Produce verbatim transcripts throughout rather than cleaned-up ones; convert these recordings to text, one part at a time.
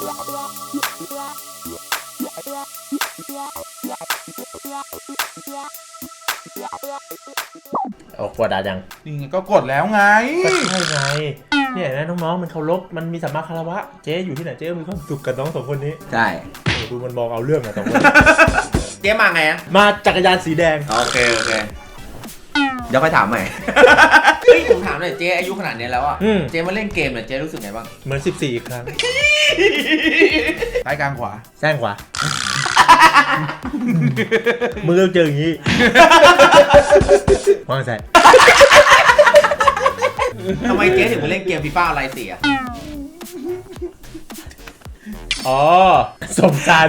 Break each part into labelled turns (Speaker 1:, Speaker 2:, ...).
Speaker 1: ออกกดดันยัง
Speaker 2: นี่ไงก็กดแล้วไง
Speaker 1: ก็ใช่ไงเนี่ยนะน้องๆมันเคารพมันมีสัมมาคารวะเจ๊อยู่ที่ไหนเจ๊มีความสุขกับน้องสองคนนี้
Speaker 3: ใช่
Speaker 1: ดูมันมองเอาเรื่องอะสองคน
Speaker 3: เจ๊มาไงอะ
Speaker 1: มาจักรยานสีแดง
Speaker 3: โอเคโอเคเดี๋ยวค่อยถามใหม่เฮ้ยผมถามหน่อยเจ๊อายุขนาดนี้แล้วอ่ะเจ๊มาเล่นเกมเนี่ยเจ๊รู้สึกไงบ้าง
Speaker 1: เหมือนสิบสี่อีกครั้ง
Speaker 2: ซ้ายกลางขวา
Speaker 1: แซงขวามือเจออย่างนี้วางใส่
Speaker 3: ทำไมเจ๊ถึงมาเล่นเกมฟีฟ่าอะไรสิอ่ะ
Speaker 1: อ๋อสมสาร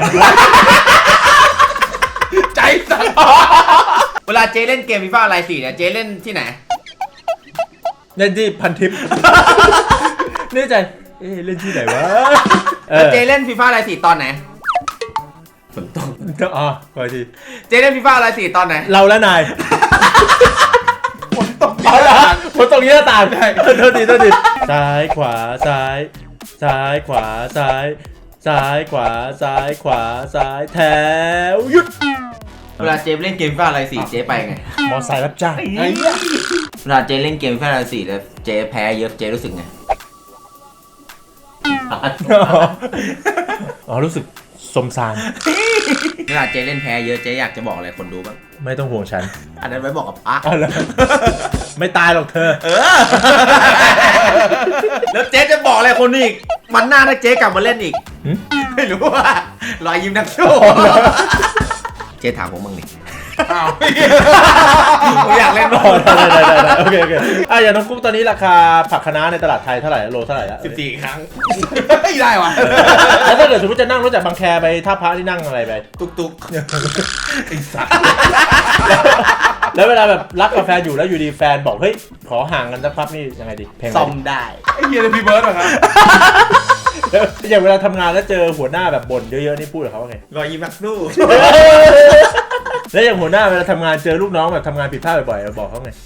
Speaker 3: ใจสั่นเวลาเจ๊เล่นเกมฟีฟ่าอะไรสิเนี่ยเจ๊เล่นที่ไหน
Speaker 1: เล่นที่พันทิปนี่ใจเอ๊ะเล่นที่ไหนวะ
Speaker 3: เจ๊เล่นฟีฟ่าอะไรสิตอนไหนฝนตก
Speaker 1: อ๋อขอที
Speaker 3: เจ๊เล่นฟีฟ่าอะไรสิตอนไหน
Speaker 1: เราและนาย
Speaker 2: ฝนตก
Speaker 1: เอาละฝนตกเยอะต่างใช่โทษทีโทษทีซ้ายขวาซ้ายซ้ายขวาซ้ายซ้ายขวาซ้ายขวาซ้ายแถวหยุด
Speaker 3: เวลาเจ๊เล่นเกมฟีฟ่าอะไรสิเจ๊ไปไง
Speaker 1: มอไซค์รับจ้าง
Speaker 3: เวลาเจ๊เล่นเกมฟีฟ่าอะไรสิแล้วเจ๊แพ้เยอะเจ๊รู้สึกไง
Speaker 1: อ๋อรู้สึกสมสาร
Speaker 3: เวลาเจ๊เล่นแพ้เยอะเจ๊อยากจะบอกอะไรคนดูบ้าง
Speaker 1: ไม่ต้องห่วงฉัน
Speaker 3: อันนั้นไว้บอกกับพระ
Speaker 1: ไม่ตายหรอกเธอ
Speaker 3: เออแล้วเจ๊จะบอกอะไรคนอีกมันหน้าถ้าเจ๊กลับมาเล่นอีกไม่รู้ว่ารอยยิ้มนักสู้เจ๊ถามผมบ้างดิ
Speaker 2: อ้าว
Speaker 3: ผมอยากเล่น
Speaker 1: ต่อได้ได้ได้โอเคโอเคอ่ะอย่างน้องกุ๊กตอนนี้ราคาผักคะน้าในตลาดไทยเท่าไหร่โลเท่าไหร่แล้ว
Speaker 3: สิบสี่ครั้ง
Speaker 2: ไม่ได้ว่ะ
Speaker 1: แล้วถ้าเกิดสมมติจะนั่งรถจากบางแคไปท่าพระที่นั่งอะไรไป
Speaker 3: ตุกตุก
Speaker 2: ไอ้สัส
Speaker 1: แล้วเวลาแบบรักกับแฟนอยู่แล้วอยู่ดีแฟนบอกเฮ้ยขอห่างกันสักพักนี่ยังไงดีเพลง
Speaker 3: ซ่อมได้
Speaker 2: ไอ้เหี้ยเลยพี่เบิร์ดเหรอครับ
Speaker 1: อย่างเวลาทำงานแล้วเจอหัวหน้าแบบบ่นเยอะๆนี่พูดกับเขาว่าไง
Speaker 3: รอยยิ้มนักสู้
Speaker 1: แล้วอย่างหัวหน้าเวลาทำงานเจอลูกน้องแบบทำงานผิดพลาดบ่อยๆบอกเขาไง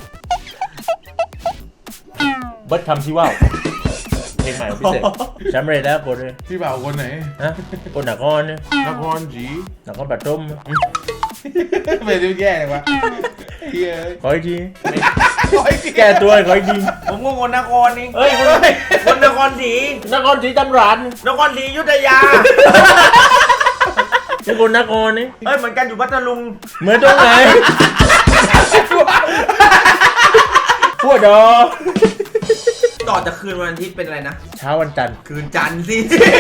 Speaker 1: เบิร์ดคำที่ว่าเพลงใหม่พิเศษจำเรยแล้วคนเลย
Speaker 2: พี่บ่าวคนไหน
Speaker 1: ฮะคนหนักก้อนเนี่ย
Speaker 2: นครจี
Speaker 1: หนักก้อนแบบต้ม
Speaker 2: ไม่ได้แย่เลยวะ
Speaker 1: ขออีกทีแก้ตัวขออีกที
Speaker 3: ผมก็คนนครนี่
Speaker 1: เฮ้ย
Speaker 3: คนนครศรี
Speaker 1: นครศรีจำรัน
Speaker 3: นครศรีอยุธยา
Speaker 1: เป็นคนนครนี่
Speaker 3: เอ้ยเหมือนกันอยู่พัทลุง
Speaker 1: เหมือนตรงไหนพูดดอ
Speaker 3: ต่อจากคืนวันอาทิตย์เป็นอะไรนะ
Speaker 1: เช้าวันจันทร์
Speaker 3: คืนจันทร์สิ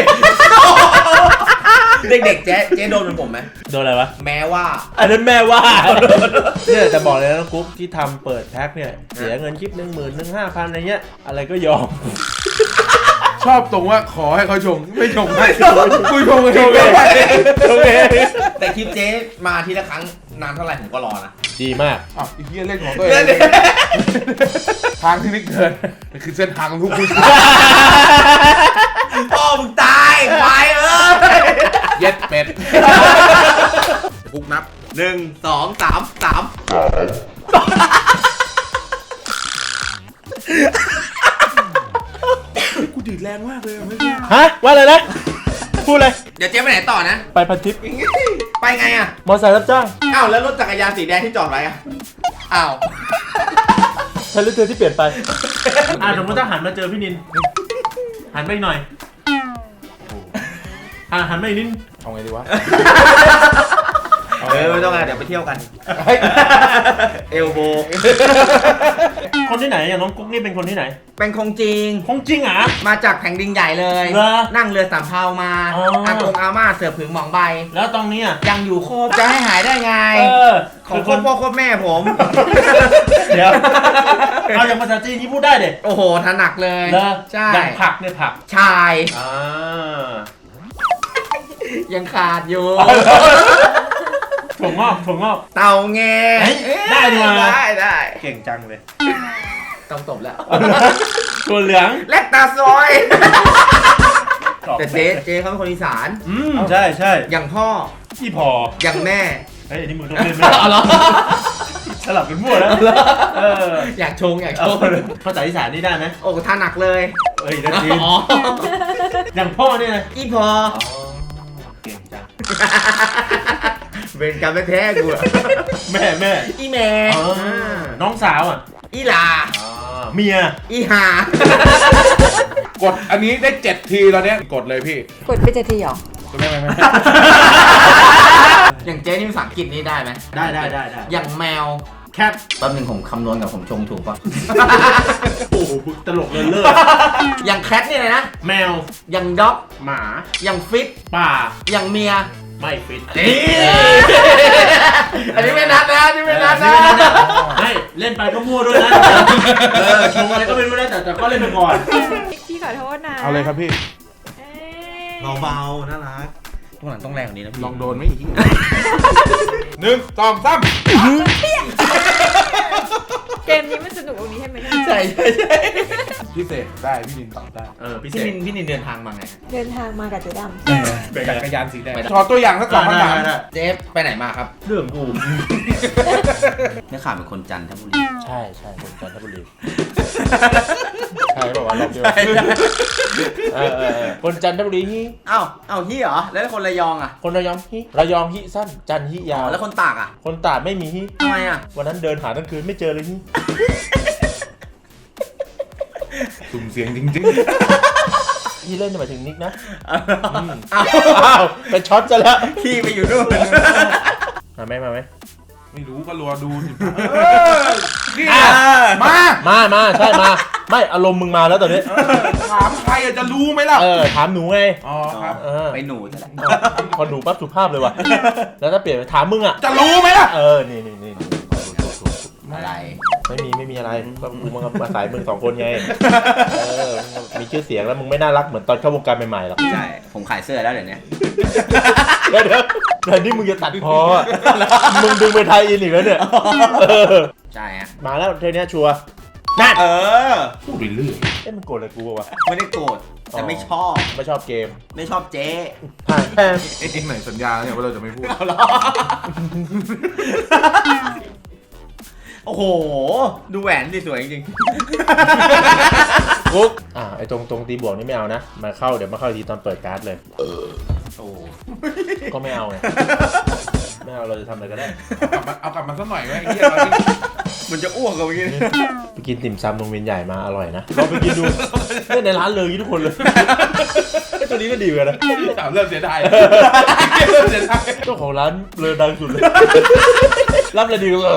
Speaker 3: เด็กๆเจ๊เจ๊โดนเหมือนผมไหม
Speaker 1: โดนอะไรวะ
Speaker 3: แม้ว่า
Speaker 1: อันนั้นแม่ว่าเนี่ยจะบอกเลยนะกุ๊กที่ทำเปิดแพ็คเนี่ยเสียเงินคลิปหนึ่งหมื่นหนึ่งห้าพันอะไรเงี้ยอะไรก็ยอม
Speaker 2: ชอบตรงว่าขอให้เขาชงไม่ชงให้คุยชงเอง
Speaker 1: โอเค
Speaker 3: แต่คลิปเจ๊มาทีละครั้งนานเท่าไหร่ผมก็รอนะ
Speaker 1: ดีมาก
Speaker 2: อ้าวไอ้เหี้ยเล่นของตัวเองทางที่ไม่เกินนี่คือเส้นทางของทุกคน
Speaker 3: พ่อมึงตายควายเอ้ย
Speaker 2: เย็ดเป็ดกุ๊กนับ
Speaker 3: หนึ่งสองสามสาม
Speaker 2: กูดีดแรงมากเลยเมื่อกี้
Speaker 1: ฮะว่าอะไรนะพูดเลย
Speaker 3: เดี๋ยวเจ๊ไปไหนต่อนะ
Speaker 1: ไปพันทิป
Speaker 3: ไปไงอะ
Speaker 1: มอไซค์รับจ้าง
Speaker 3: อ้าวแล้วรถจักรยานสีแดงที่จอดไว้อะอ้าว
Speaker 1: ใช่รถเธอที่เปลี่ยนไปอ่าสมมติถ้าหันมาเจอพี่นินหันไปหน่อยอ่าหันไปนิด
Speaker 2: เอาไงดีวะ
Speaker 3: เออไม่ต้องไงเดี๋ยวไปเที่ยวกันเอลโบ
Speaker 1: คนที่ไหนอย่างน้องกุ๊กนี่เป็นคนที่ไหน
Speaker 3: เป็นคงจริง
Speaker 1: คงจริงอ่ะ
Speaker 3: มาจากแผ่นดินใหญ่เลยนั่งเรือสำเภามาอากงอาม่าเสือผึ่งหมองใบ
Speaker 1: แล้วตรงนี้
Speaker 3: ยังอยู่โคบจะให้หายได้ไงของโคบพ่อโคบแม่ผม
Speaker 1: เดี๋ยวเอาอย่างภาษาจีนนี่พูดได้เด็ก
Speaker 3: โอ้โหถนัดเลย
Speaker 1: ใช่อย่างผักเนี่ยผัก
Speaker 3: ชายยังขาดอยู่
Speaker 1: ถั่วงอกถั่วงอก
Speaker 3: เต่าแง
Speaker 1: ได้มา
Speaker 3: ได้ได้
Speaker 1: เก่งจังเลย
Speaker 3: ต้องตบแล้ว
Speaker 1: ถั่วเหลือง
Speaker 3: แลกตาซอยแต่เจ๊เจ๊เขาเป็นคนอีสาน
Speaker 1: อืมใช่ใช่
Speaker 3: อย่างพ่อ
Speaker 1: พี่พอ
Speaker 3: อย่างแม่
Speaker 1: เฮ้ยอันนี้มึงต้องเล่นไหมสลับเป็นมั่วแล้ว
Speaker 3: อยากชงอยากชง
Speaker 1: ภาษาอีสานนี่ได้ไหม
Speaker 3: โอ้ท่าหนักเลย
Speaker 1: เฮ้ยนั่นจีนอย่างพ่อเนี่ยนะ
Speaker 3: อีพอ
Speaker 1: เก่งจัง
Speaker 3: เป็นกรรมแท้ๆกูอะ
Speaker 1: แม่แม่
Speaker 3: อีแม่
Speaker 1: อ๋อน้องสาวอ่ะ
Speaker 3: อีหลา
Speaker 1: เมีย
Speaker 3: อีหาก
Speaker 2: ดอันนี้ได้เจ็ดทีแล้วเนี้ยกดเลยพี่
Speaker 4: กดไปเจ็ดทีเหรอ
Speaker 2: ไม่ไม่ไม่
Speaker 3: อย่างเจ๊นี่ภาษาอังกฤษนี่ได้ไหม
Speaker 1: ได้ได้ได้ได้
Speaker 3: อย่างแมว
Speaker 1: แคท
Speaker 3: แป๊บนึงผมคำนวณกับผมชงถูกป่ะ
Speaker 1: โอ้โหมึงตลกเลยเลิศ
Speaker 3: อย่างแคทนี่เลยนะ
Speaker 1: แมว
Speaker 3: อย่างด็อก
Speaker 1: หมา
Speaker 3: อย่างฟิต
Speaker 1: ป่า
Speaker 3: อย่างเมีย
Speaker 1: ไม่ฟิต
Speaker 3: นี่ อันนี้ไม่นัดนะอันนี้ไม่นัดนะ
Speaker 1: ไม่เล่นไปก็มั่วด้วยนะเออชงอะไรก็ไม่รู้นะแต่แต่ก็เล่นไปก่อน
Speaker 4: พี่ขอโทษนะ
Speaker 2: เอาเลยครับพี่
Speaker 4: เอ้ย
Speaker 3: เบาๆน่ารักพวกหลังต้องแรงกว่านี้นะพี่
Speaker 2: ลองโดนไหมอีกหนึ่งสองสาม
Speaker 4: เกมนี้มันสนุกตรงนี้ใช่ไหมเนี่ย
Speaker 3: ใช่ใช่ใช่
Speaker 2: พิเศษได้พี่นินตอบได้
Speaker 1: เออพิเศ
Speaker 3: พี่
Speaker 1: ษ
Speaker 3: นินพี่นินเดินทางมาไง
Speaker 4: เดินทางมากับเจ๊ด
Speaker 1: เป็นไง
Speaker 2: จักรยานสีแดงขอตัวอย่างสักสองคำถาม
Speaker 3: เจฟไปไหนมาครับ
Speaker 1: เรื่องกู
Speaker 3: เนี่ยข่าวเป็นคนจันทบุรี
Speaker 1: ใช่ใช่คนจันทบุรีใช่บอกว่ารอบเดียวเออเออเออคนจันทบุรีฮิ
Speaker 3: เอ้าเอ้าฮี่เหรอ แล้วคนระยองอ่ะ
Speaker 1: คนระยองฮิระยองฮิสั้นจันทร์ฮิยา
Speaker 3: อ๋
Speaker 1: ว
Speaker 3: อแล้วคนตากอ่ะ
Speaker 1: คนตราดไม่มีฮิ
Speaker 3: ทำไมอ่ะ
Speaker 1: วันนั้นเดินหาทั้งคืนไม่เจอเลยฮิ
Speaker 2: สุ่มเสียงจริง
Speaker 1: ฮิเล่นหมายถึงนิกนะ
Speaker 3: เอ้า
Speaker 1: อ้าวเป็นช็อตซะแล้ว
Speaker 3: พี่ไปอยู่นู่น
Speaker 1: มาไหมมาไหม
Speaker 2: ๆไม่รู้ก็รัวดูสินี่
Speaker 1: อ่ะ
Speaker 2: มา
Speaker 1: มามาใช่มา ไม่อารมณ์มึงมาแล้วตอนนี้
Speaker 2: ถามใครอะจะรู้ไหมล่ะ
Speaker 1: เออถามหนูไง
Speaker 2: อ๋อครับ
Speaker 1: เออ
Speaker 3: ไปหนูซะแหละ
Speaker 1: พอหนูปั๊บสุภาพเลยว่ะแล้วถ้าเปลี่ยนไปถามมึงอ่ะ
Speaker 2: จะรู้ไหมล่ะ
Speaker 1: เออนี่นี่นี่นี่ถูกถูกถูก
Speaker 3: อะไร
Speaker 1: ไม่มีไม่มีอะไรก็กูมามาสายมึงสองคนไงเออมีชื่อเสียงแล้วมึงไม่น่ารักเหมือนตอนเข้าวงการใหม่ๆหรอก
Speaker 3: ใช่ ผมขายเสื้อแล้วเดี๋ยวนี้
Speaker 1: เดี๋ยวเดี๋ยวเดี๋ยวนี่มึงจะตัดพออ่ะมึงดึงไปไทยอินอีกแล้วเนี่ยเออ
Speaker 3: ใช่ฮะ
Speaker 1: มาแล้วเทปนี้ชัวร์นั่น
Speaker 3: เออ
Speaker 2: พูดไปเรื่อย
Speaker 1: เอ๊ะมันโกรธอะไรกูวะ
Speaker 3: ไม่ได้โกรธแต่ไม่ชอบ
Speaker 1: ไม่ชอบเกม
Speaker 3: ไม่ชอบเจ๊
Speaker 1: ผ่านแพง
Speaker 2: ไอ้ที่ไหนสัญญาเนี่ยว่าเราจะไม่พูด
Speaker 3: เอาเหรอโอ้โห ดูแหวนดิสวยจริง
Speaker 1: กุ๊กอ่าไอ้ตรงตรงตีบวกนี่ไม่เอานะมาเข้าเดี๋ยวมาเข้าทีตอนเปิดการ์ดเลย
Speaker 3: ๆโอ้
Speaker 1: ก็ไม่เอาไงไม่เอาเราจะทำอะไรก็ได้
Speaker 2: เอากลับมาเอากลับมาสักหน่อยไหมไอ้เหี้ย
Speaker 3: มันจะอ้วกกันเมื่อกี้
Speaker 1: ไปกินติ่มซำโรงเรียนใหญ่มาอร่อยนะลองไปกินดูเนี่ยในร้านเลยทุกคนเลยไอ้ตัวนี้ก็ดีเหมือนกันนะ
Speaker 2: ถามเริ่มเสียดายเริ่มเสียดาย
Speaker 1: เจ้าของร้านเลยดังสุดเลยรับเลยดีก็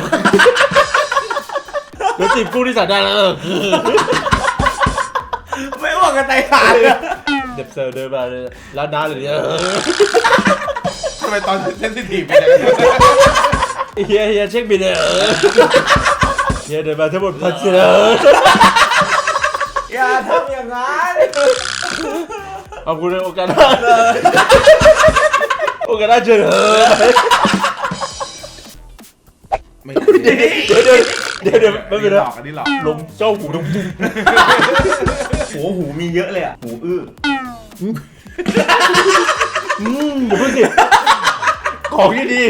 Speaker 1: เดี๋ยวจีบกู้ที่สั่งได้แล้ว
Speaker 3: ไม่อ้วกกันไตขาดเลย
Speaker 1: เด็บเซอร์เดินมาเลยร้านน้าเลยเนี่ย
Speaker 2: ทำไมตอนเซนซิทีฟไปเนี่ย
Speaker 1: เฮียเฮียเช็คบินเลยเฮียเดินมาทั้งหมดพันเสีย
Speaker 3: อย่าทำอย่างนั้น
Speaker 1: ขอบคุณในโอกาสหน้าโอกาสหน้าเจอ
Speaker 2: ไม่
Speaker 1: เดี๋ยวเดี๋ยวเดี๋ยวเดี๋ยวไม่เป็น
Speaker 2: ห
Speaker 1: ไร
Speaker 2: ลอกอันนี้หลอก
Speaker 1: ลมเจ้าหูดง
Speaker 3: หูหูมีเยอะเลยอ่ะ หูอื้อ
Speaker 1: อืมเดี๋ยวพูดสิของที่ดี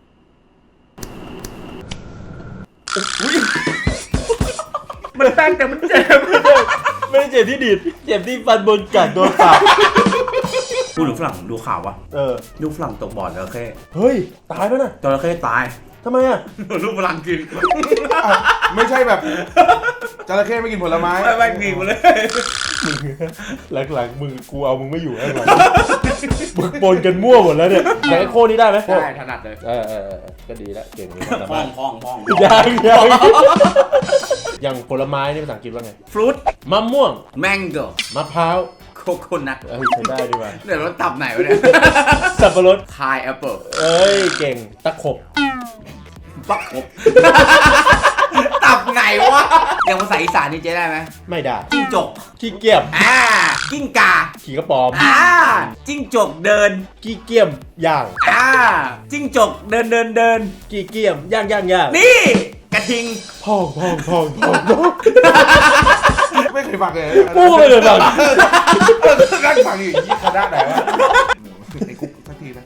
Speaker 3: มันแป้งแต่มันเจ็บ
Speaker 1: ไม่ได้เจ็บที่ดีดเจ็บที่ฟันบนกัดโดนปาก
Speaker 3: พูดถึงฝรั่งดูข่าววะ
Speaker 1: เออ
Speaker 3: ลูกฝรั่งตกบ่อจระเข้
Speaker 1: เฮ้ยตายแล้วนะ
Speaker 3: จระเข้ตาย
Speaker 1: ทำไมอ่ะ
Speaker 3: ลูกฝรั่งกิน
Speaker 2: ไม่ใช่แบบจระเข้ไม่กินผลไม้
Speaker 3: ไม่ไม่กินหมดเลย
Speaker 1: มึงหลังๆมึงกูเอามึงไม่อยู่แล้วหลังมึงปนกันมั่วหมดแล้วเนี่ยแต่ไอ้โค้นี่ได้ไหม
Speaker 3: ใช่ถนัดเลย
Speaker 1: เออเออเออก็ดีแล้วเก่งมีความสา
Speaker 3: พอ
Speaker 1: มาง รถ
Speaker 3: พองพอง
Speaker 1: ยังยังอย่างผลไม้นี่ภาษาอังกฤษว่าไง
Speaker 3: ฟรุต
Speaker 1: มะม่วง
Speaker 3: แมงโก้
Speaker 1: มะพร้าว
Speaker 3: โคโคนัท
Speaker 1: เอ้ยใช้ได้ดีว่ะ
Speaker 3: เดี๋ยวรถตับไหนวะเนี่ย
Speaker 1: สับปะรด
Speaker 3: คายแอปเปิล
Speaker 1: เอ้ยเก่งตะขบ
Speaker 3: ปักครบ ตับไหนวะอย่างภาษาอีสานนี่เจ๊ได้ไหม
Speaker 1: ไม่ได้
Speaker 3: จิ้งจก
Speaker 1: ขี้เกียจ
Speaker 3: อ่ากิ้งกา
Speaker 1: ขี่กระป๋อม
Speaker 3: อ่าจิ้งจกเดิน
Speaker 1: ขี้เกียมย่าง
Speaker 3: อ่าจิ้งจกเดินเดินเดิน
Speaker 1: ขี้เกียมย่างย่างย่าง
Speaker 3: นี่กระทิง
Speaker 1: พองพองพองพองพอง
Speaker 2: ไม่เคยฟังเลย
Speaker 1: พูดไปเลยแบบ
Speaker 2: นั่งฟังอยู่ยี่คณะไหนวะไอ้กุ๊กสักทีนะ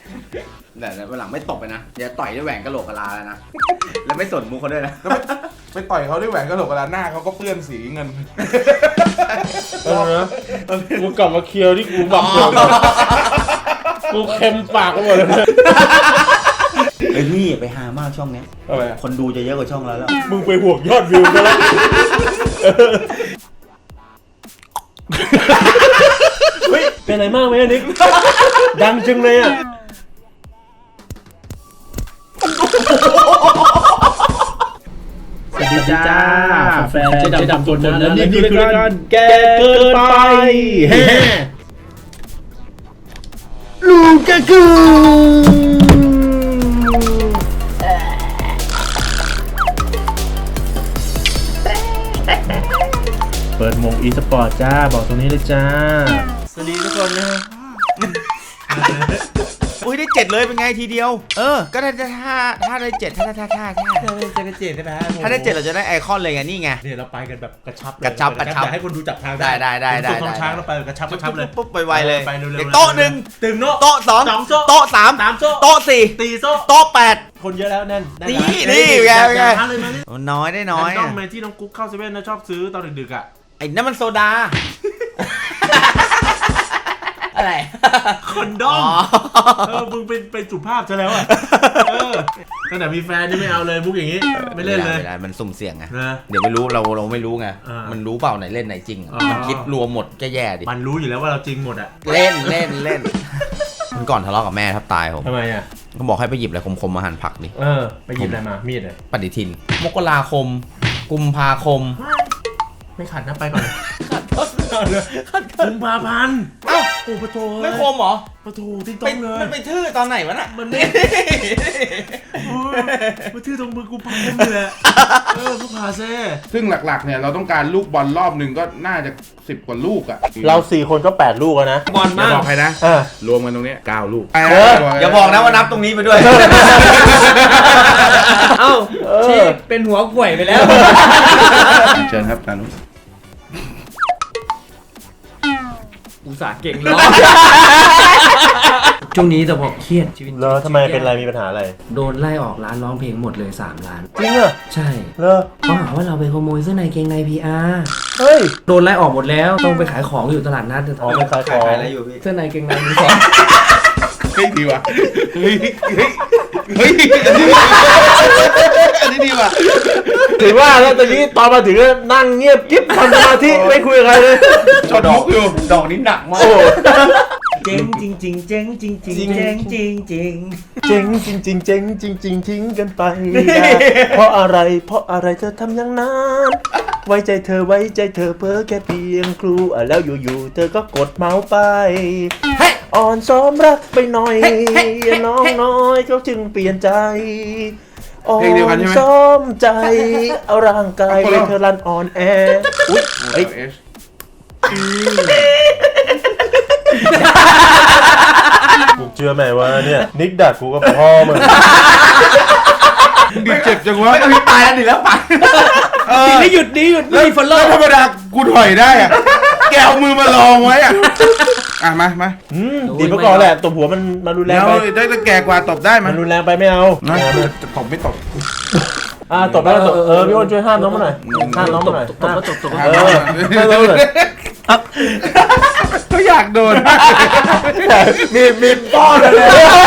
Speaker 3: เดี๋ยววันหลังไม่ตบไปนะเดี๋ยวต่อยด้วยแหวนกะโหลกกะลาแล้วนะ แล้วไม่สนมุกเขาด้วยนะ
Speaker 2: ไปต่อยเขาด้วยแหวนกระโหลกกระดาษหน้าเขาก็เปื้อนสีเงิน
Speaker 1: เออนะกูกลับมาเคลียร์ที่กูบักเดิมกูเค็มปากไปหมดเลย
Speaker 3: ไอ้นี่ไปหามากช่องเนี้ย
Speaker 1: อะไรอะ
Speaker 3: คนดูจะเยอะกว่าช่องเราแล้ว
Speaker 1: มึงไปห่วงยอดวิวกันแล้วเฮ้ยเป็นอะไรมากไหมอันนี้ดังจังเลยอ่ะสวัสดีจ้าแฟนเจ๊ดำตัวนั้นและนี่คือรายการแกเกินไปแฮ่ลูกากูเปิดมงอีสปอร์ตจ้าบอกตรงนี้เลยจ้าสวัสดีทุกคนนะ
Speaker 3: อุ้ยได้เจ็ดเลยเป็นไงทีเดียว เออ ก็ถ้าถ้าถ้าได้เจ็ดถ้าถ้าถ้าถ้า
Speaker 1: จะกระเจ็ดใช่ไหม
Speaker 3: ถ้าได้เจ็ดเราจะได้ไอคอนเลยไงนี่ไง
Speaker 1: เนี่ยเราไปกันแบบกระชับ
Speaker 3: กระชับกระชับ
Speaker 1: อยากให้คนดูจับทาง
Speaker 3: ได้ได้ได้ได้
Speaker 1: ส่งช้างเราไปกระชับกระชับเลย
Speaker 3: ปุ๊บไวๆเลย
Speaker 1: ไปเร็วๆ
Speaker 3: เด็กโต๊ะหนึ่ง
Speaker 1: ตึงโต๊ะ
Speaker 3: โต๊ะสอง
Speaker 1: สองโต๊ะ
Speaker 3: โต๊ะสาม
Speaker 1: สามโต๊ะ
Speaker 3: โต๊ะสี่
Speaker 1: ตีโต๊ะ
Speaker 3: โต๊ะแปด
Speaker 1: คนเยอะแล้วแน่นได้
Speaker 3: นี่
Speaker 1: แล้ว
Speaker 3: นี่ไงไง
Speaker 1: จับทางเลยมานี่
Speaker 3: น้อยได้น้อย
Speaker 1: ต้อ
Speaker 3: อะ
Speaker 1: งมาที่น้องกุ๊กเข้าเซเว่นนะชอบซื้อตอนดึกๆอ่ะ
Speaker 3: ไอ้นั่นมันโซดา อะไร
Speaker 1: คอนดอมเออมึงเป็นเป็นสุภาพซะแล้วอ่ะเออตั้งแต่มีแฟนนี่ไม่เอาเลยมุกอย่างนี้ไม่เล่นเลย
Speaker 3: ไม่ได้มันสุ่มเสี่ยงไง
Speaker 1: นะ
Speaker 3: เดี๋ยวไม่รู้เราเราไม่รู้ไง
Speaker 1: อ่ามั
Speaker 3: มันรู้เปล่าไหนเล่นไหนจริงอะ
Speaker 1: อ๋อ
Speaker 3: มันคิดรวมหมดก็แย่ดิ
Speaker 1: มันรู้อยู่แล้วว่าเราจริงหมดอ่ะ
Speaker 3: เล่นเล่นเล่นมันก่อนทะเลาะกับแม่ทับตายผม
Speaker 1: ทำไมอ่ะ
Speaker 3: ก็บอกให้ไปหยิบอะไรคมๆมาหั่นผักดิ
Speaker 1: เออไปหยิบอะไรมามีดเลย
Speaker 3: ปฏิทิน มกราคม กุมภาคม
Speaker 1: ไม่ขัดนะไปก่อนกุมภาพันธ์
Speaker 3: เอ้า
Speaker 1: โอ้ปะโถ
Speaker 3: ไม่คมเหรอ
Speaker 1: ปะโถติ๊งต้
Speaker 3: ไป
Speaker 1: องเลย
Speaker 3: มันไปทื่อตอนไหนวะน่ะ
Speaker 1: มันไม่โอ้ยมาทื่อตรงมือกูพังเลยแหละเออผู้พาเซ่
Speaker 2: ซึ่งหลักๆเนี่ยเราต้องการลูกบอลรอบหนึ่งก็น่าจะสิบกว่าลูกอ่ะ
Speaker 1: เราสี่คนก็แปดลูกแล้วนะ
Speaker 3: บอล
Speaker 2: อย่าม
Speaker 3: าก
Speaker 2: บอกใครนะ
Speaker 1: เออ
Speaker 2: รวมกันตรงเนี้ยเก้าลูก
Speaker 3: เอออย่าบอกนะว่านับตรงนี้ไปด้วย
Speaker 5: เอ้า
Speaker 1: เออ
Speaker 5: ชีเป็นหัวป่วยไปแล้ว
Speaker 2: เชิญครับตานุ
Speaker 5: อุตส่าห์เก่งร้องช่วงนี้แต่บอกเครียดชีวิต
Speaker 1: เลอทำไมเป็นอะไรมีปัญหาอะไร
Speaker 5: โดนไล่ออกร้านร้องเพลงหมดเลยสามล้าน
Speaker 1: จริงเหรอ
Speaker 5: ใช่
Speaker 1: เลอ
Speaker 5: เขาหาว่าเราไปขโมยเสื้อในเกงใน พี อาร์
Speaker 1: เฮ้ย
Speaker 5: โดนไล่ออกหมดแล้วต้องไปขายของอยู่ตลาดนัด
Speaker 1: อ๋อเป็นขายของ
Speaker 3: อะไรอยู่พี่
Speaker 5: เสื้อในเกงในมือสอง
Speaker 2: เฮ้ยดีว่ะเฮ้ยเฮ้ยเฮ้ยอันนี้ดีว่ะ
Speaker 1: ถือว่าแล้วตอนนี้ตอนมาถึงนั่งเงียบกิ๊บทำสมาธิไม่คุยกับใครเลย
Speaker 2: จดมุกอยู่
Speaker 3: ดอกนี้หนักมาก
Speaker 1: โอ้
Speaker 3: เจ๋งจริงจริงเจ๋งจริงจริงเจ๋งจริงจริง
Speaker 1: เจ๋งจริงจริงเจ๋งจริงจริงทิ้งกันไปเพราะอะไรเพราะอะไรเธอทำอย่างนั้นไว้ใจเธอไว้ใจเธอเพ้อแค่เพียงครูอ่ะแล้วอยู่ๆเธอก็กดเมาส์ไปอ่อนซ้อมรักไปหน่อยน้องน้อยเขาจึงเปลี่ยนใจอ่อ
Speaker 2: เพลงเดียวกัน
Speaker 1: น
Speaker 2: ใช่ไหม
Speaker 1: ซ้อมใจเอาร่างกายไปเธอรันอ่อนแออุ๊ยเฮ้ย
Speaker 2: เอช
Speaker 1: กูเชื่อไหมว่าเนี่ยนิกดักกูก็พ่อมึง
Speaker 2: ดิเจ็บจังวะ
Speaker 3: ไม่ต้องมีตายแล้วดิแล้วไป
Speaker 2: เออ
Speaker 5: ไม่หยุดดีหยุด
Speaker 2: แล้ว
Speaker 5: ไม่ฟอลโล่
Speaker 2: แล้วธรรมดากูถอยได้อะแกเอามือมาลองไว้อะอ่ะมามา
Speaker 1: อืมดีเมื่อก่อนแหละตบหัวมันมันรุนแรง
Speaker 2: แล้ว
Speaker 1: ไป
Speaker 2: ได้แต่แก่กว่าตบได้มั้
Speaker 1: มั
Speaker 2: ย
Speaker 1: นรุนแรงไปไม่เอา
Speaker 2: นะตบไม่ตบ
Speaker 1: อ่าตบได้ตบเออพี่อ้นช่วยห้ามน้องมาหน่อยห้ามน้องมาหน่อย
Speaker 5: ตบก็ตบตบ
Speaker 1: เออห้ามน้องมาหน่อย
Speaker 2: ก็อยากโดน
Speaker 1: มีมีป้อนเลย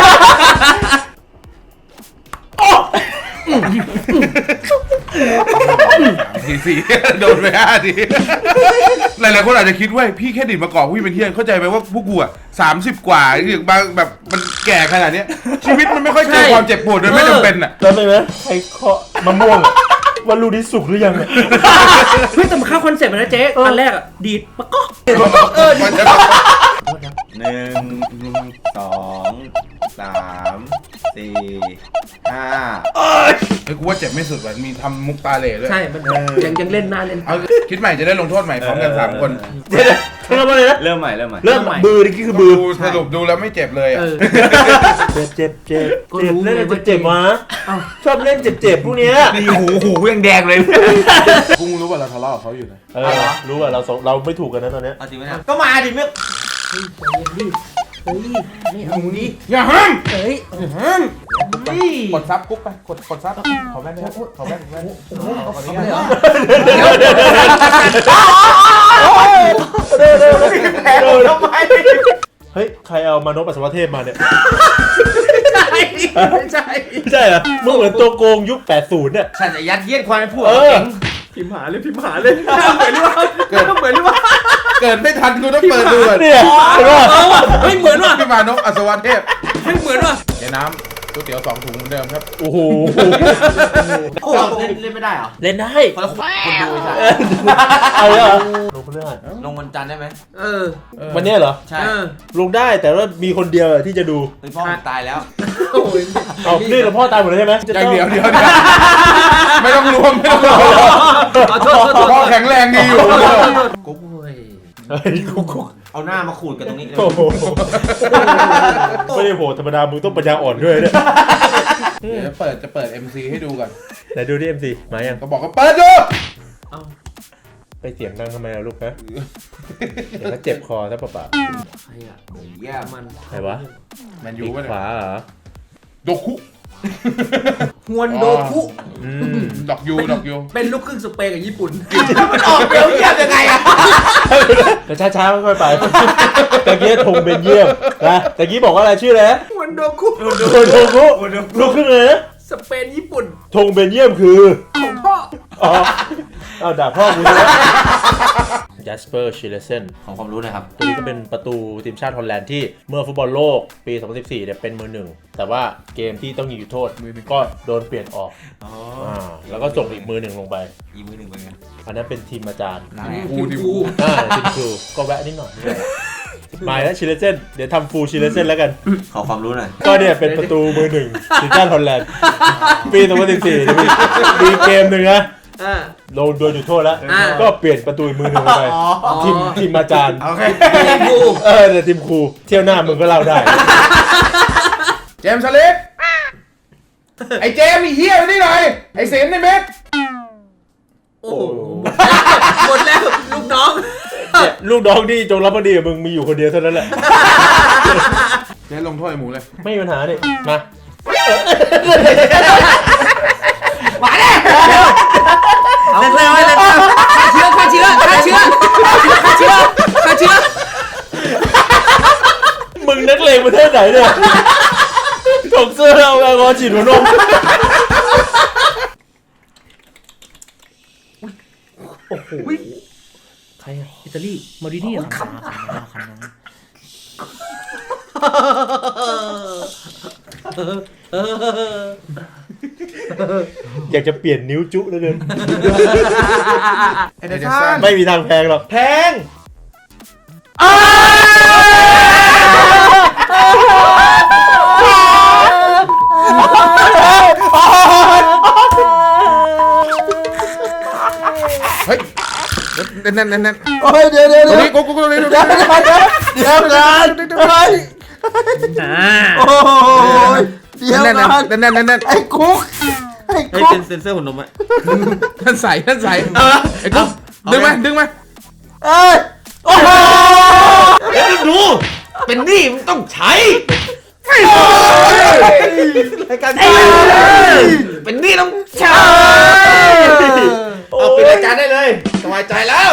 Speaker 2: ทีสี่โดนไปห้าทีหลายๆคนอาจจะคิดว่าพี่แค่ดิดมากอกพี่เป็นเที่ยงเข้าใจไหมว่าพวกกูอ่ะสามสิบกว่าอย่างบางแบบมันแก่ขนาดเนี้ยชีวิตมันไม่ค่อยเจอความเจ็บปวดโดยไม่จำเป็นอ่ะ
Speaker 1: แล้วไหมใครเคาะมะม่วงว่าลูกนี้สุกหรือยังเนี่ย
Speaker 5: เฮ้ยแต่มันเข้าคอนเซ็ปต์นะเจ๊ตอนแรกอ่ะดีดปะก๊อก
Speaker 2: เออมันจะ
Speaker 3: หนึ่งสองสามสี่ห้า
Speaker 2: เฮ้ยกูว่าเจ็บไม่สุดว่ะมีทำมุกตาเหล่ด้วย
Speaker 5: ใช่มันยังยังเล่นหน้าเล่น
Speaker 2: เอาคิดใหม่จะได้ลงโทษใหม่พร้อมกันสามคน
Speaker 1: เดี๋ยวเริ่มมาเลยนะ
Speaker 3: เริ่มใหม่เริ่มใหม่
Speaker 1: เริ่มบือนี่คือบือ
Speaker 2: ดูสรุปดูแล้วไม่เจ็บเลยอ่ะ
Speaker 5: เออ
Speaker 1: เจ็บเจ็บเจ็บ
Speaker 5: ก็
Speaker 1: เจ็บ
Speaker 5: รู้
Speaker 1: เล่น
Speaker 5: ไง
Speaker 1: เจ็
Speaker 5: ว่า
Speaker 1: บเจ็บวะ
Speaker 5: เอ้า
Speaker 1: ชอบเล่นเจ็บเจ็บพวกเนี้ย
Speaker 3: นี่หูหูยังแดงเลย
Speaker 2: กูรู้ว่าเราทะเลาะกับเขาอยู่นะ
Speaker 1: เออรู้ว่าเราสองเราไม่ถูกกันนะตอนเนี้ย
Speaker 3: เอาจริงไหมก็มาดิเมื่อ
Speaker 5: เฮ้ยไม่เอาดิ
Speaker 2: อย่าห้าม
Speaker 5: เฮ้ย
Speaker 2: อย่าห้ามไปกดซับกุ๊กไปกดกดซับขอแว่นด้วยขอแว่นแว่นขอแว่นเหรอ
Speaker 3: แพ้ทำไม
Speaker 1: เฮ้ยใครเอามานพปัสสาวะเทพมาเนี่ย
Speaker 5: ใช่ไม่ใช่
Speaker 1: ไม่ใช่เหรอมึงเหมือนตัวโกงยุคแปดสิบเนี่ย
Speaker 3: ฉันจะยัดเยียดความเป็นผู้
Speaker 1: เออ
Speaker 3: เก่ง
Speaker 5: พิมพ์หาเลยพิมพ์หาเลยเหมือนหรือเปล่าเหมือนหรือเปล่า
Speaker 2: เกิดไม่ทันกูต้องเปิดดูก่อน
Speaker 1: เนี่ยเห็นป่ะ
Speaker 5: เออว่ะเฮ้ยเหมือนว่ะ
Speaker 2: พี่มานพอัศวเทพ
Speaker 5: เฮ้ยเหมือนว่ะ
Speaker 2: เดี๋ยวน้ำก๋วยเตี๋ยวสองถุงเหมือนเดิมครับ
Speaker 1: โอ้โห
Speaker 3: โอ้เล่นเล่นไม่ได้เหรอ
Speaker 1: เล่นได้
Speaker 3: คนคนดูใช่
Speaker 1: เอาเลยเหรอลงเรื่อง
Speaker 3: ลงวันจันทร์ได้ไหม
Speaker 5: เออ
Speaker 1: วันเนี้ยเหรอ
Speaker 3: ใช่
Speaker 5: เออ
Speaker 1: ลงได้แต่ว่ามีคนเดียวที่จะดู
Speaker 3: เฮ้ยพ่อผมตายแล้ว
Speaker 5: โอ้ย
Speaker 1: เอานี่เราพ่อตายหมดเลยใช่ไหม
Speaker 2: อย่างเดียวเดียวเดียวไม่ต้องรวมไม่ต้องรวม
Speaker 5: เอาโทษโทษโทษ
Speaker 2: พ่อแข็งแรงดีอยู่
Speaker 5: กุ๊กเว้ย
Speaker 1: เฮ้ยกุ๊กกุ๊ก
Speaker 3: เอาหน้ามาขูดกันตรงนี้เลย
Speaker 1: โอ้โหไม่ได้โหธรรมดามึงต้องปัญญาอ่อนด้วยเนี่ย
Speaker 2: เดี๋ยวจะเปิดจะเปิด เอ็ม ซี ให้ดูก่อน
Speaker 1: ไหนดูที่ เอ็ม ซี มายัง
Speaker 2: ก็บอกว่าเปิดดู
Speaker 5: เอา
Speaker 1: ไปเสียงดังทำไมล่ะลูกฮะเดี๋ยวก็เจ็บคอซะเปล่า
Speaker 5: ใครอ่ะ
Speaker 3: เยี่ยม
Speaker 5: มัน
Speaker 1: ๆใครวะ
Speaker 2: แมน
Speaker 1: ปี
Speaker 2: ยู
Speaker 1: ก
Speaker 2: ป่ะ
Speaker 1: ขวาเหรอ
Speaker 2: โดคุ
Speaker 5: ฮวนโดคุ
Speaker 1: อืม
Speaker 2: ดอกยูดอกยู
Speaker 5: เป็นลูกครึ่งสเปนกับญี่ปุ่น
Speaker 3: มันออกเบลเยียมยังไงอะ
Speaker 1: แต่ช้าๆค่อยๆไปตะกี้ธงเบนเยียมนะตะกี้บอกว่าอะไรชื่ออะไรนะ
Speaker 5: ฮวนโดคุ
Speaker 1: โดโดกุลูกครึ่งเลยนะ
Speaker 5: สเปนญี่ปุ่น
Speaker 1: ธงเบนเยียมคือ
Speaker 5: ของพ่อ
Speaker 1: อ๋อเอาด่าพ่อกูเลยจัสเปอร์ชิเลเซน
Speaker 3: ของความรู้หน่อยครับ
Speaker 1: ตัวนี้ก็เป็นประตูทีมชาติฮอลแลนด์ที่เมื่อฟุตบอลโลกปี สองพันสิบสี่ เนี่ยเป็นมือหนึ่ง แต่ว่าเกมที่ต้องยิงจุดโทษก็โดนเปลี่ยนออก
Speaker 3: อ๋อ
Speaker 1: อ่าแล้วก็ส่งอีกมือหนึ่งลงไป
Speaker 3: อีมือหนึ่งเป็นไง
Speaker 1: อันนั้นเป็นทีมอาจารย์
Speaker 3: ได้
Speaker 2: กูดิ
Speaker 5: กู
Speaker 1: อ่าทีมครูก็แวะนิดหน่อยมาแล้วชิเลเซนเดี๋ยวทำฟูลชิเลเซนแล้วกัน
Speaker 3: ขอความรู้หน่อย
Speaker 1: ก็เนี่ยเป็นประตูมือหนึ่งทีมชาติฮอลแลนด์ปี สองพันสิบสี่ มีมีเกมหนึ่งนะ
Speaker 5: อ่า
Speaker 1: ลงโดนจุดโทษแล้ว
Speaker 5: อ่า
Speaker 1: ก็เปลี่ยนประตูอีกมือหนึ่งลงไป
Speaker 3: อ๋อ
Speaker 1: ทีมทีมอาจารย์
Speaker 3: โอเค
Speaker 5: ทีมกู
Speaker 1: เออแต่ทีมครูเที่ยวหน้ามึงก็เล่าได้
Speaker 2: เจมส์สลิปไอ้เจมส์ไอ้เฮียมานี่หน่อยไอ้เสมในเม็ด
Speaker 5: โอ้โหหมดแล้วลูกน้อง
Speaker 1: เนี่ยลูกน้องที่จงรับพอดีกับมึงมีอยู่คนเดียวเท่านั้นแหละ
Speaker 2: เจ๊ลงโทษไอ้หมูเลย
Speaker 1: ไม่มีปัญหานี่มา
Speaker 5: เอาเลยเอาเลยฆ่าเชื้อฆ่าเชื้อฆ่าเชื้อฆ่าเชื้อฆ่าเชื้อ
Speaker 1: มึงนักเลงประเทศไหนเนี่ยถกเสื้อเอาแอลกอฮอล์ฉีดหัวนม
Speaker 5: โอ้โหใครอะอิตาลีมาดินี่เหรอคันคันคันเออ
Speaker 1: อยากจะเปลี่ยนนิ้วจุแล้วเกิน
Speaker 2: ไอ้เดชัน
Speaker 1: ไม่มีทางแพงหรอกแพง
Speaker 2: เฮ้ยนั่นนั่นนั่นนั่น
Speaker 1: โอ้ยเดี๋ยวเดี๋ยว
Speaker 2: ตรง
Speaker 1: เดี๋ยว
Speaker 2: นี้กูกูตรงนี้ตรง
Speaker 1: เดี๋
Speaker 2: นี้
Speaker 1: ยวกันเดี๋ยวกันเฮ้ย
Speaker 5: อ่า
Speaker 1: โอ้ยเดี๋ยว
Speaker 2: นั่น
Speaker 1: กัน
Speaker 2: นั่นนั่นนั่นนั่น
Speaker 1: ไอ้คุกไอ้
Speaker 3: เฮ้ย
Speaker 1: คุก
Speaker 3: เซนเซอร์หัวนมอะ
Speaker 2: นั่นใส่นั่นใส่ไอ้กูดึงมาดึงมา
Speaker 1: เอ้ยโอ้โห
Speaker 3: เฮ้ยดู เป็นหนี้มึงต้องใช้
Speaker 1: รายการ
Speaker 3: เป็นหนี้ต้องใช้ เอาปิดรายการได้เลยสบายใจแล้ว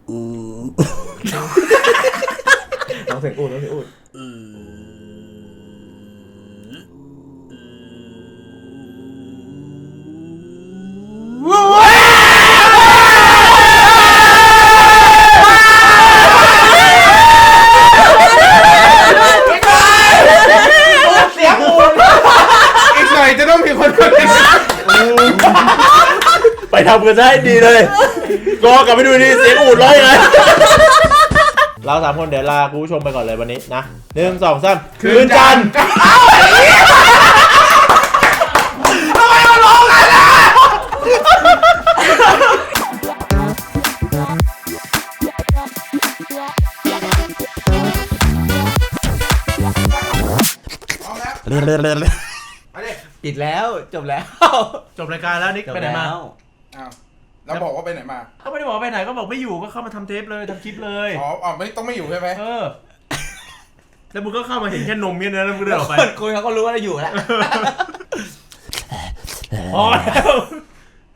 Speaker 1: น้องเสียงอูดน้องเสียงอูด
Speaker 3: เสียงอูน
Speaker 2: อีกหน่อยจะต้องมีคนคนหนึ่ง
Speaker 1: ไปทำกันซะให้ดีเลยรอกลับไปดูดีเสียงอูดร้อยเลยเราสามคนเดี๋ยวลาคุณผู้ชมไปก่อนเลยวันนี้นะหนึ่งสองสามคืนจันทร์
Speaker 3: ปิดแล้วจบแล้ว
Speaker 1: จบรายการแล้วนิกไปไหนมา
Speaker 2: อ้าวแล้วบอกว่าไปไหนมา
Speaker 1: เขาไม่ได้บอกไปไหนก็บอกไม่อยู่ก็เข้ามาทำเทปเลยทำคลิปเลย
Speaker 2: อ๋ออ๋อไม่ต้องไม่อยู่ใช่ไหม
Speaker 1: เออแล้วมึงก็เข้ามาเห็นแค่นมเนี่ยนะแล้วมึงเดินออกไป
Speaker 3: คนคุยเขาก็รู้ว่าเราอยู่แล้ว
Speaker 1: พอแล้ว